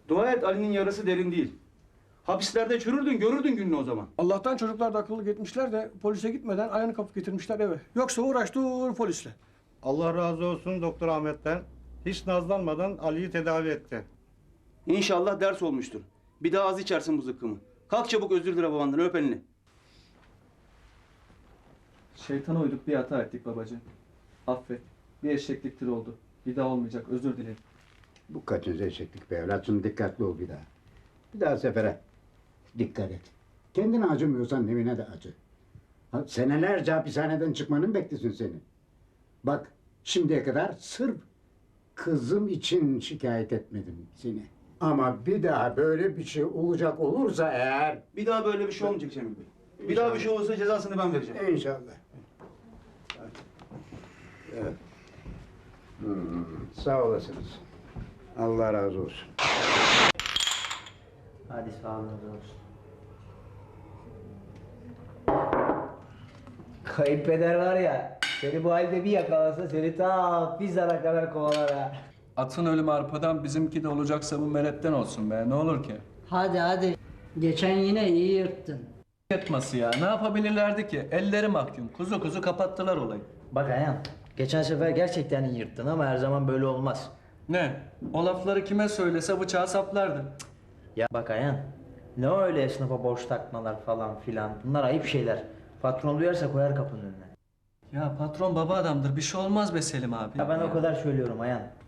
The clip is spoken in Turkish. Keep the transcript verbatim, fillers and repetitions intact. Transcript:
Dua et Ali'nin yarası derin değil. Hapislerde çürürdün, görürdün gününü o zaman. Allah'tan çocuklar da akıllı gitmişler de polise gitmeden ayağını kapıp getirmişler eve. Yoksa uğraş dur polisle. Allah razı olsun Doktor Ahmet'ten. Hiç nazlanmadan Ali'yi tedavi etti. İnşallah ders olmuştur. Bir daha az içersin bu zıkkımı. Kalk çabuk özür dile babandan, öp elini. Şeytana uyduk, bir hata ettik babacığım. Affet. Bir eşekliktir oldu. Bir daha olmayacak, özür dilerim. Bu kaçıncı eşeklik be evlatçım, dikkatli ol bir daha. Bir daha sefere dikkat et. Kendine acımıyorsan evine de acı. Ha, senelerce hapishaneden çıkmanın beklesin seni. Bak şimdiye kadar sırf kızım için şikayet etmedim seni. Ama bir daha böyle bir şey olacak olursa eğer... Bir daha böyle bir şey olmayacak Cemil Bey. Bir daha bir şey olursa cezasını ben vereceğim. İnşallah. Evet. Hmm, sağ olasınız. Allah razı olsun. Hadi sağlığınız olsun. Kayınpeder var ya, seni bu halde bir yakalasa seni ta Pizar'a kadar kovalar ha. Atın ölümü arpadan, bizimki de olacaksa bu meletten olsun be, ne olur ki? Hadi hadi. Geçen yine iyi yırttın. Yatması ya, ne yapabilirlerdi ki? Elleri mahkum, kuzu kuzu kapattılar olayı. Bak Ayhan, geçen sefer gerçekten iyi yırttın ama her zaman böyle olmaz. Ne? O lafları kime söylese bıçağı saplardı. Cık. Ya bak Ayhan, ne öyle esnafa borç takmalar falan filan, bunlar ayıp şeyler. Patron duyarsa koyar kapının önüne. Ya patron baba adamdır, bir şey olmaz be Selim abi. Ya ben o kadar söylüyorum Ayhan.